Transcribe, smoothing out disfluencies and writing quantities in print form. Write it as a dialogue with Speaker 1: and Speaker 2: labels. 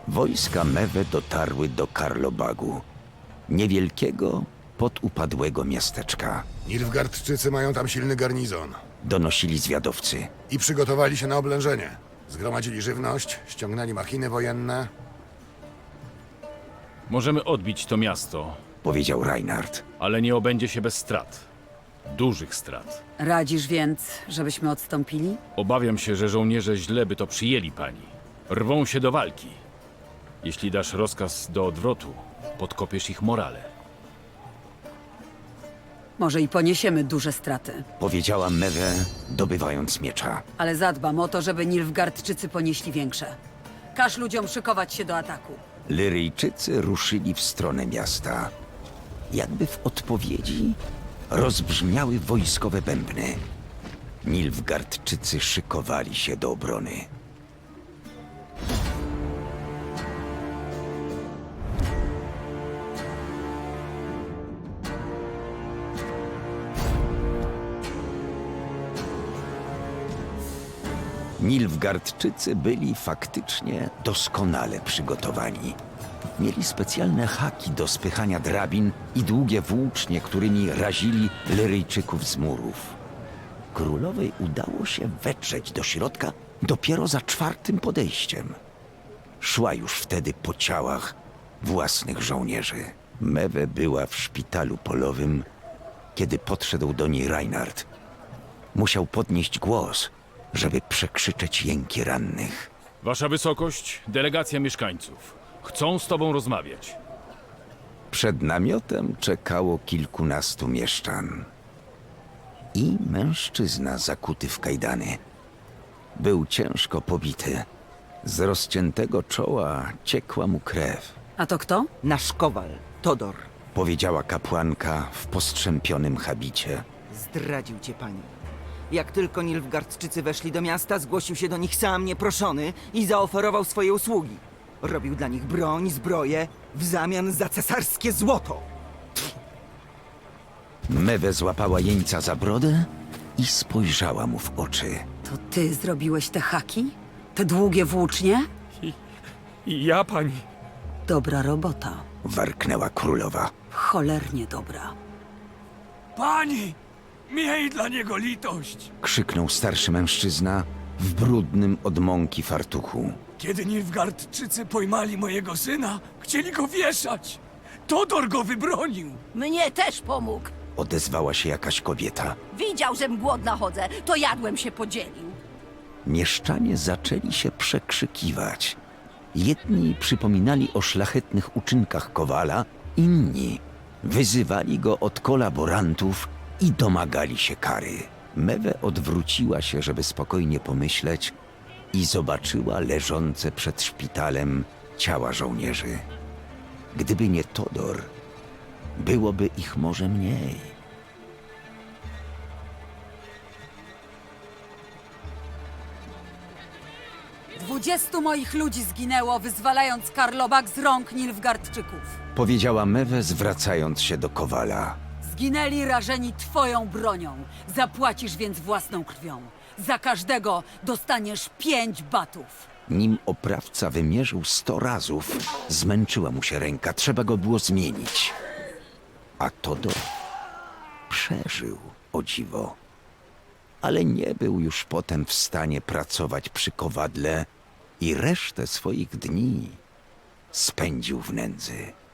Speaker 1: Wojska Mewe dotarły do Karlobagu, niewielkiego, podupadłego miasteczka.
Speaker 2: Nilfgaardczycy mają tam silny garnizon
Speaker 1: Donosili zwiadowcy.
Speaker 2: i przygotowali się na oblężenie. Zgromadzili żywność, ściągnęli machiny wojenne.
Speaker 3: Możemy odbić to miasto,
Speaker 1: Powiedział Reinhard.
Speaker 3: ale nie obędzie się bez strat. Dużych strat.
Speaker 4: Radzisz więc, żebyśmy odstąpili?
Speaker 3: Obawiam się, że żołnierze źle by to przyjęli, pani. Rwą się do walki. Jeśli dasz rozkaz do odwrotu, podkopiesz ich morale.
Speaker 4: Może i poniesiemy duże straty,
Speaker 1: Powiedziała Mewe, dobywając miecza.
Speaker 4: ale zadbam o to, żeby Nilfgaardczycy ponieśli większe. Każ ludziom szykować się do ataku.
Speaker 1: Lyryjczycy ruszyli w stronę miasta. Jakby w odpowiedzi rozbrzmiały wojskowe bębny. Nilfgaardczycy szykowali się do obrony. Nilfgaardczycy byli faktycznie doskonale przygotowani. Mieli specjalne haki do spychania drabin i długie włócznie, którymi razili Lyryjczyków z murów. Królowej udało się wetrzeć do środka dopiero za czwartym podejściem. Szła już wtedy po ciałach własnych żołnierzy. Mewe była w szpitalu polowym, kiedy podszedł do niej Reinhard. Musiał podnieść głos, żeby przekrzyczeć jęki rannych.
Speaker 3: Wasza wysokość, delegacja mieszkańców. Chcą z tobą rozmawiać.
Speaker 1: Przed namiotem czekało kilkunastu mieszczan. I mężczyzna zakuty w kajdany. Był ciężko pobity. Z rozciętego czoła ciekła mu krew.
Speaker 4: A to kto?
Speaker 5: Nasz kowal, Todor,
Speaker 1: Powiedziała kapłanka w postrzępionym habicie.
Speaker 5: zdradził cię pani. Jak tylko Nilfgaardczycy weszli do miasta, zgłosił się do nich sam nieproszony i zaoferował swoje usługi. Robił dla nich broń, zbroję w zamian za cesarskie złoto.
Speaker 1: Mewe złapała jeńca za brodę i spojrzała mu w oczy.
Speaker 4: To ty zrobiłeś te haki? Te długie włócznie?
Speaker 6: Ja, pani.
Speaker 4: Dobra robota.
Speaker 1: Warknęła królowa.
Speaker 4: Cholernie dobra.
Speaker 6: Pani! Miej dla niego litość!
Speaker 1: Krzyknął starszy mężczyzna w brudnym od mąki fartuchu.
Speaker 6: Kiedy Nilfgaardczycy pojmali mojego syna, chcieli go wieszać. Todor go wybronił.
Speaker 7: Mnie też pomógł.
Speaker 1: Odezwała się jakaś kobieta.
Speaker 7: Widział, żem głodna chodzę, to jadłem się podzielił.
Speaker 1: Mieszczanie zaczęli się przekrzykiwać. Jedni przypominali o szlachetnych uczynkach Kowala, inni wyzywali go od kolaborantów i domagali się kary. Mewe odwróciła się, żeby spokojnie pomyśleć i zobaczyła leżące przed szpitalem ciała żołnierzy. Gdyby nie Todor, byłoby ich może mniej.
Speaker 4: 20 moich ludzi zginęło, wyzwalając Karlobag z rąk Nilfgaardczyków.
Speaker 1: Powiedziała Mewe, zwracając się do Kowala.
Speaker 4: Zginęli rażeni twoją bronią. Zapłacisz więc własną krwią. Za każdego dostaniesz 5 batów.
Speaker 1: Nim oprawca wymierzył 100 razów, zmęczyła mu się ręka, trzeba go było zmienić. A Todor przeżył, o dziwo. Ale nie był już potem w stanie pracować przy kowadle i resztę swoich dni spędził w nędzy.